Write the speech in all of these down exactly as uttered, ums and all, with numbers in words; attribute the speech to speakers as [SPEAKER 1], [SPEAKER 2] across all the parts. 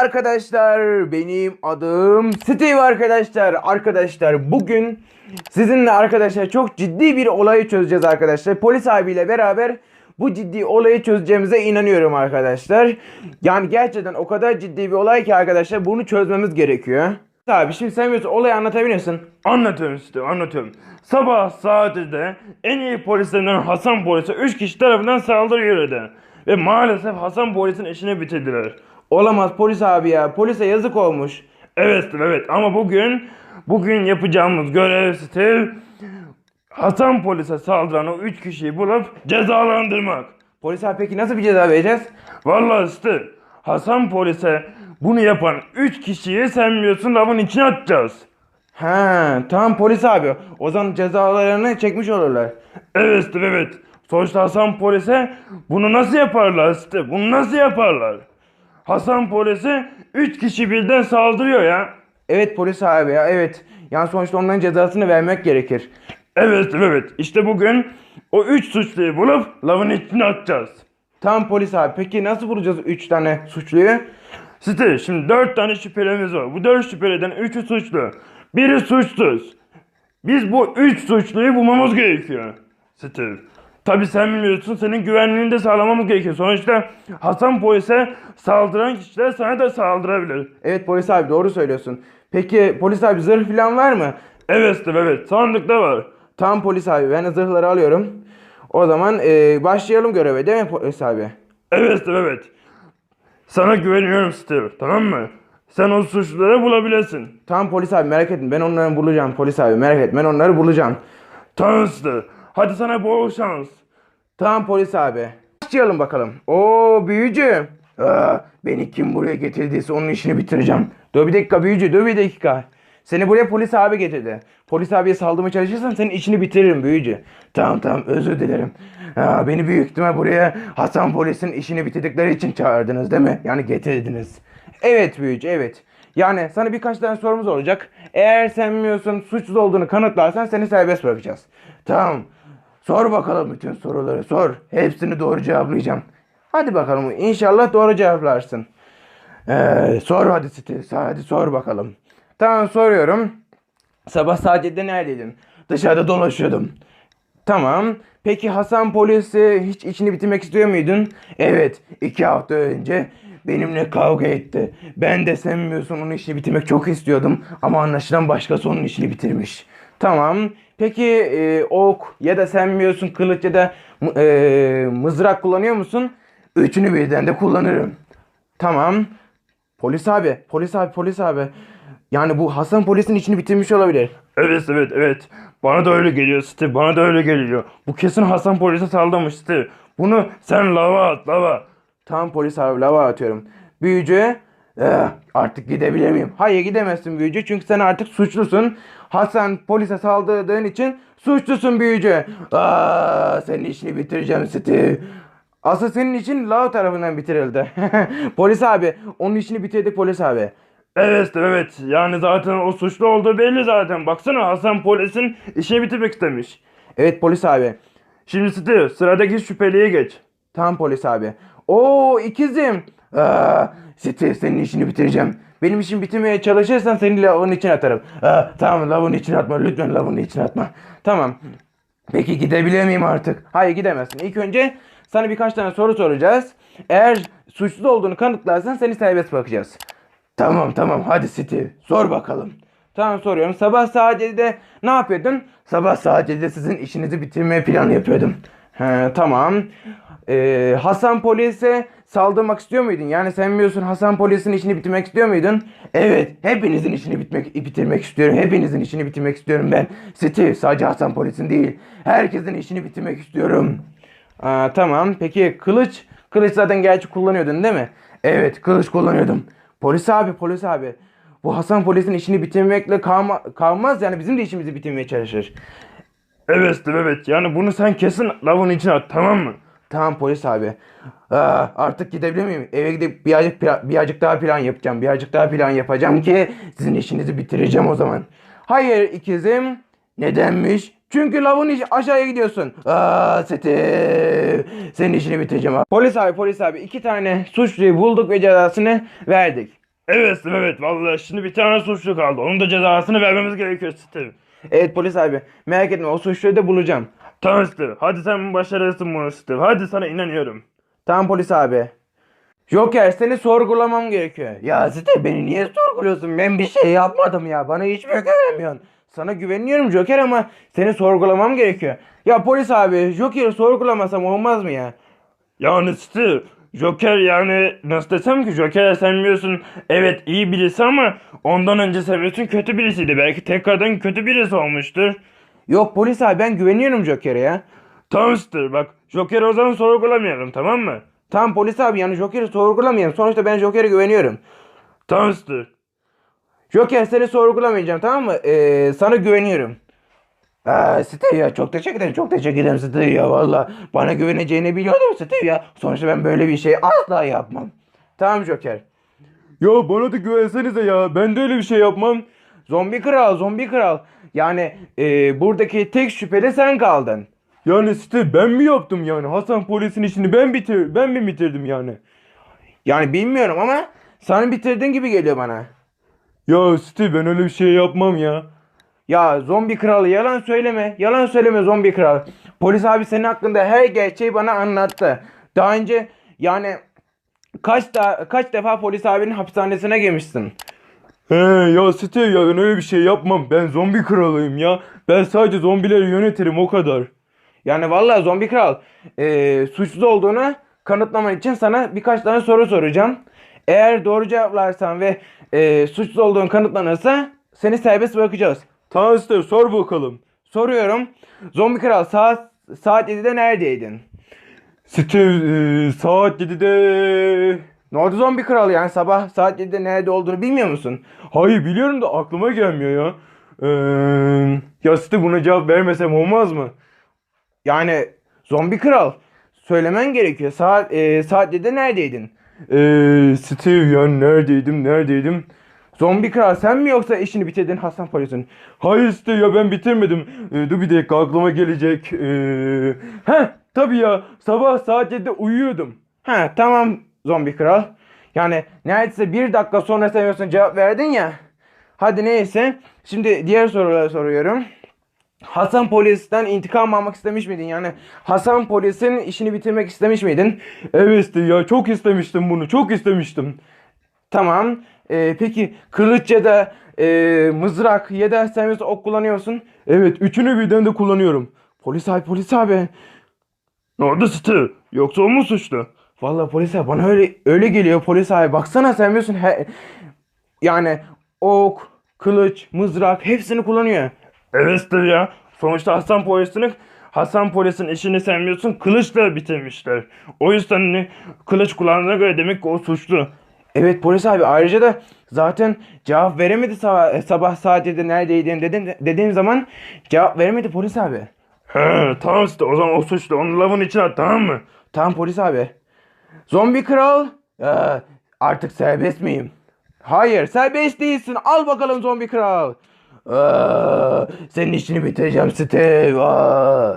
[SPEAKER 1] arkadaşlar, benim adım Steve arkadaşlar. Arkadaşlar bugün sizinle arkadaşlar çok ciddi bir olayı çözeceğiz arkadaşlar. Polis abiyle beraber bu ciddi olayı çözeceğimize inanıyorum arkadaşlar. Yani gerçekten o kadar ciddi bir olay ki arkadaşlar bunu çözmemiz gerekiyor. Abi şimdi sen biliyorsun olayı anlatabiliyorsun.
[SPEAKER 2] Anlatıyorum işte anlatıyorum. Sabah saatinde en iyi polislerinden Hasan polise üç kişi tarafından saldırı uğradı. Ve maalesef Hasan polisin işini bitirdiler.
[SPEAKER 1] Olamaz polis abi ya, polise yazık olmuş.
[SPEAKER 2] Evet evet ama bugün bugün yapacağımız görev Steve Hasan polise saldıran o üç kişiyi bulup cezalandırmak.
[SPEAKER 1] Polis abi peki nasıl bir ceza vereceğiz?
[SPEAKER 2] Vallahi Steve Hasan polise bunu yapan üç kişiyi sen biliyorsun lavın içine atacağız.
[SPEAKER 1] Ha tamam polis abi, o zaman cezalarını çekmiş olurlar.
[SPEAKER 2] Evet Steve evet. Sonuçta Hasan polise bunu nasıl yaparlar Steve? Bunu nasıl yaparlar? Hasan polise üç kişi birden saldırıyor ya.
[SPEAKER 1] Evet polis abi ya, evet. Yani sonuçta onların cezasını vermek gerekir.
[SPEAKER 2] Evet Steve evet. İşte bugün o üç suçluyu bulup lavın içine atacağız.
[SPEAKER 1] Tamam polis abi, peki nasıl bulacağız üç tane suçluyu?
[SPEAKER 2] Steve şimdi dört tane şüphelimiz var. Bu dört şüpheliden üçü suçlu. Biri suçsuz. Biz bu üç suçluyu bulmamız gerekiyor. Steve. Tabi sen biliyorsun senin güvenliğini de sağlamamız gerekiyor. Sonuçta Hasan polise saldıran kişiler sana da saldırabilir.
[SPEAKER 1] Evet polis abi, doğru söylüyorsun. Peki polis abi, zırh falan var mı?
[SPEAKER 2] Evet Steve evet. Sandıkta var.
[SPEAKER 1] Tamam polis abi, ben de zırhları alıyorum. O zaman e, başlayalım göreve, değil mi polis abi?
[SPEAKER 2] Evet Steve evet. Sana güveniyorum Steve. Tamam mı? Sen o suçluları bulabilirsin.
[SPEAKER 1] Tamam polis abi, merak etme, ben onları bulacağım polis abi, merak etme, ben onları bulacağım.
[SPEAKER 2] Tamam Steve. Hadi sana bol şans.
[SPEAKER 1] Tamam polis abi. Başlayalım bakalım. Oo büyücü. Aa, beni kim buraya getirdiyse onun işini bitireceğim. Dur bir dakika büyücü, dur bir dakika. Seni buraya polis abi getirdi. Polis abiye saldırmaya çalışırsan senin işini bitiririm büyücü. Tamam tamam, özür dilerim. Aa, beni büyük ihtimal buraya Hasan polisin işini bitirdikleri için çağırdınız değil mi? Yani getirdiniz. Evet büyücü, evet. Yani sana birkaç tane sorumuz olacak. Eğer sen bilmiyorsun suçsuz olduğunu kanıtlarsan seni serbest bırakacağız. Tamam. Sor bakalım, bütün soruları sor. Hepsini doğru cevaplayacağım. Hadi bakalım, inşallah doğru cevaplarsın. Ee, sor hadi Steve, hadi sor bakalım. Tamam, soruyorum. Sabah saat yedide neredeydin? Dışarıda dolaşıyordum. Tamam. Peki Hasan polisi hiç içini bitirmek istiyor muydun? Evet. iki hafta önce benimle kavga etti. Ben de sen bilmiyorsun onun işini bitirmek çok istiyordum. Ama anlaşılan başkası onun işini bitirmiş. Tamam. Peki e, ok ya da sen bilmiyorsun kılıç ya da e, mızrak kullanıyor musun? Üçünü birden de kullanırım. Tamam. Polis abi, polis abi, polis abi. Yani bu Hasan polisin içini bitirmiş olabilir.
[SPEAKER 2] Evet evet evet. Bana da öyle geliyor Steve. Bana da öyle geliyor. Bu kesin Hasan polise saldırmış Steve. Bunu sen lava at lava.
[SPEAKER 1] Tamam polis abi, lava atıyorum. Büyücü, eh, artık gidebilir miyim? Hayır gidemezsin büyücü, çünkü sen artık suçlusun. Hasan polise saldırdığın için suçlusun büyücü. Aa, senin işini bitireceğim Steve. Asıl senin için Lao tarafından bitirildi. Polis abi, onun işini bitirdik polis abi.
[SPEAKER 2] Evet Steve evet. Yani zaten o suçlu olduğu belli zaten. Baksana Hasan polisin işini bitirmek istemiş.
[SPEAKER 1] Evet polis abi.
[SPEAKER 2] Şimdi Steve sıradaki şüpheliye geç.
[SPEAKER 1] Tamam polis abi. Oo ikizim. Aa, Steve, senin işini bitireceğim. Benim işimi bitirmeye çalışırsan seni lavın içine atarım. Aa, tamam, lavın içine atma. Lütfen lavın içine atma. Tamam. Peki gidebilir miyim artık? Hayır gidemezsin. İlk önce sana birkaç tane soru soracağız. Eğer suçsuz olduğunu kanıtlarsan seni serbest bırakacağız. Tamam tamam, hadi Steve sor bakalım. Tamam, soruyorum. Sabah saat yedide ne yapıyordun? Sabah saat yedide sizin işinizi bitirmeye planı yapıyordum. He, tamam. Ee, Hasan polise saldırmak istiyor muydun? Yani sen biliyorsun Hasan polisin işini bitirmek istiyor muydun? Evet, hepinizin işini bitmek, bitirmek istiyorum. Hepinizin işini bitirmek istiyorum ben. Steve, sadece Hasan polisin değil. Herkesin işini bitirmek istiyorum. Aa, tamam. Peki kılıç? Kılıç zaten gerçi kullanıyordun değil mi? Evet, kılıç kullanıyordum. Polis abi, polis abi. Bu Hasan polisin işini bitirmekle kalma, kalmaz, yani bizim de işimizi bitirmeye çalışır.
[SPEAKER 2] Evet Steve evet. Yani bunu sen kesin lavın içine at tamam mı?
[SPEAKER 1] Tamam polis abi. Aa, artık gidebilir miyim? Eve gidip birazcık, birazcık daha plan yapacağım. Birazcık daha plan yapacağım ki sizin işinizi bitireceğim o zaman. Hayır ikizim. Nedenmiş? Çünkü lavın iş aşağıya gidiyorsun. Aa Steve. Senin işini bitireceğim abi. Polis abi, polis abi. iki tane suçluyu bulduk ve cezasını verdik.
[SPEAKER 2] Evet Steve, evet vallahi şimdi bir tane suçlu kaldı. Onun da cezasını vermemiz gerekiyor Steve.
[SPEAKER 1] Evet polis abi, merak etme, o suçluyu da bulacağım.
[SPEAKER 2] Tamam Steve. Hadi sen başarırsın bunu Steve. Hadi sana inanıyorum.
[SPEAKER 1] Tamam polis abi. Joker, seni sorgulamam gerekiyor. Ya Steve, beni niye sorguluyorsun? Ben bir şey yapmadım ya. Bana hiç mi güvenmiyorsun? Sana güveniyorum Joker ama seni sorgulamam gerekiyor. Ya polis abi, Joker'i sorgulamasam olmaz mı ya?
[SPEAKER 2] Yani Steve, Joker yani nasıl desem ki Joker sen biliyorsun evet iyi birisi ama ondan önce sen biliyorsun kötü birisiydi. Belki tekrardan kötü birisi olmuştur.
[SPEAKER 1] Yok polis abi, ben güveniyorum Joker'e ya.
[SPEAKER 2] Tamam Steve bak Joker'i o zaman sorgulamayalım tamam mı?
[SPEAKER 1] Tamam polis abi, yani Joker'i sorgulamayalım. Sonuçta ben Joker'e güveniyorum.
[SPEAKER 2] Tamam Steve.
[SPEAKER 1] Joker, seni sorgulamayacağım, tamam mı? Ee, sana güveniyorum. Aa, Steve ya, çok teşekkür ederim, çok teşekkür ederim Steve ya, valla bana güveneceğini biliyordum Steve ya. Sonuçta ben böyle bir şey asla yapmam. Tamam Joker.
[SPEAKER 2] Ya bana da güvensenize ya ben de öyle bir şey yapmam.
[SPEAKER 1] Zombi kral, zombi kral. Yani e, buradaki tek şüpheli sen kaldın.
[SPEAKER 2] Yani Steve ben mi yaptım yani Hasan polisin işini ben bitir ben mi bitirdim yani?
[SPEAKER 1] Yani bilmiyorum ama sen bitirdin gibi geliyor bana.
[SPEAKER 2] Ya Steve ben öyle bir şey yapmam ya.
[SPEAKER 1] Ya zombi kral, yalan söyleme. Yalan söyleme zombi kral. Polis abi senin hakkında her gerçeği bana anlattı. Daha önce yani kaç da kaç defa polis abinin hapishanesine girmişsin.
[SPEAKER 2] He ya Steve ya ben öyle bir şey yapmam. Ben zombi kralıyım ya. Ben sadece zombileri yönetirim o kadar.
[SPEAKER 1] Yani vallahi zombi kral, e, suçsuz olduğunu kanıtlaman için sana birkaç tane soru soracağım. Eğer doğru cevaplarsan ve e, suçsuz olduğun kanıtlanırsa seni serbest bırakacağız.
[SPEAKER 2] Tamam Steve sor bakalım.
[SPEAKER 1] Soruyorum. Zombi kral, saat saat yedide neredeydin?
[SPEAKER 2] Steve e, saat yedide...
[SPEAKER 1] Ne oldu zombi kral, yani sabah saat yedide nerede olduğunu bilmiyor musun?
[SPEAKER 2] Hayır biliyorum da aklıma gelmiyor ya. Eee ya Steve buna cevap vermesem olmaz mı?
[SPEAKER 1] Yani zombi kral, söylemen gerekiyor. Saat e, saat yedide neredeydin?
[SPEAKER 2] Eee Steve ya neredeydim neredeydim?
[SPEAKER 1] Zombi kral, sen mi yoksa işini bitirdin Hasan polisin?
[SPEAKER 2] Hayır Steve ya ben bitirmedim. Ee, dur bir dakika aklıma gelecek. Ee... Heh tabii ya sabah saat yedide uyuyordum.
[SPEAKER 1] Ha tamam zombi kral. Yani neredeyse bir dakika sonra sen cevap verdin ya. Hadi neyse. Şimdi diğer soruları soruyorum. Hasan polisten intikam almak istemiş miydin? Yani Hasan polisin işini bitirmek istemiş miydin?
[SPEAKER 2] Evet Steve ya çok istemiştim bunu çok istemiştim.
[SPEAKER 1] Tamam. Ee, peki kılıç ya da e, mızrak ya da sen mesela ok kullanıyorsun.
[SPEAKER 2] Evet üçünü birden de kullanıyorum.
[SPEAKER 1] Polis abi, polis abi.
[SPEAKER 2] Ne oldu Steve? Yoksa o mu suçlu?
[SPEAKER 1] Vallahi polis abi, bana öyle öyle geliyor polis abi. Baksana sen biliyorsun he, yani ok, kılıç, mızrak hepsini kullanıyor.
[SPEAKER 2] Evet Steve ya. Sonuçta Hasan polisini Hasan polisin işini sen biliyorsun kılıçla bitirmişler. O yüzden hani, kılıç kullandığına göre demek ki o suçlu.
[SPEAKER 1] Evet polis abi, ayrıca da zaten cevap veremedi sabah, sabah saat yedide neredeydin dedim, dediğim zaman cevap veremedi polis abi.
[SPEAKER 2] He tamam Steve o zaman o suçlu onu lavın içine at tamam mı?
[SPEAKER 1] Tamam polis abi. Zombi kral, ee, artık serbest miyim? Hayır, serbest değilsin. Al bakalım zombi kral. Aa, senin işini bitireceğim Steve. Aa.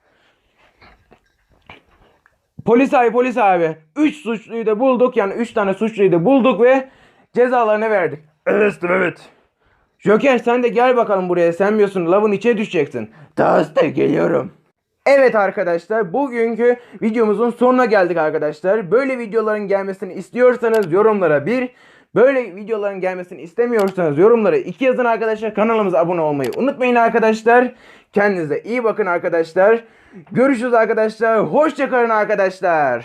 [SPEAKER 1] Polis abi, polis abi. Üç suçluyu da bulduk. Yani üç tane suçluyu da bulduk ve cezalarını verdik.
[SPEAKER 2] Evet Steve evet.
[SPEAKER 1] Joker, sen de gel bakalım buraya. Sen biliyorsun lavın içine düşeceksin. Daha geliyorum. Evet arkadaşlar, bugünkü videomuzun sonuna geldik arkadaşlar. Böyle videoların gelmesini istiyorsanız yorumlara bir, böyle videoların gelmesini istemiyorsanız yorumlara iki yazın arkadaşlar. Kanalımıza abone olmayı unutmayın arkadaşlar. Kendinize iyi bakın arkadaşlar. Görüşürüz arkadaşlar. Hoşça kalın arkadaşlar.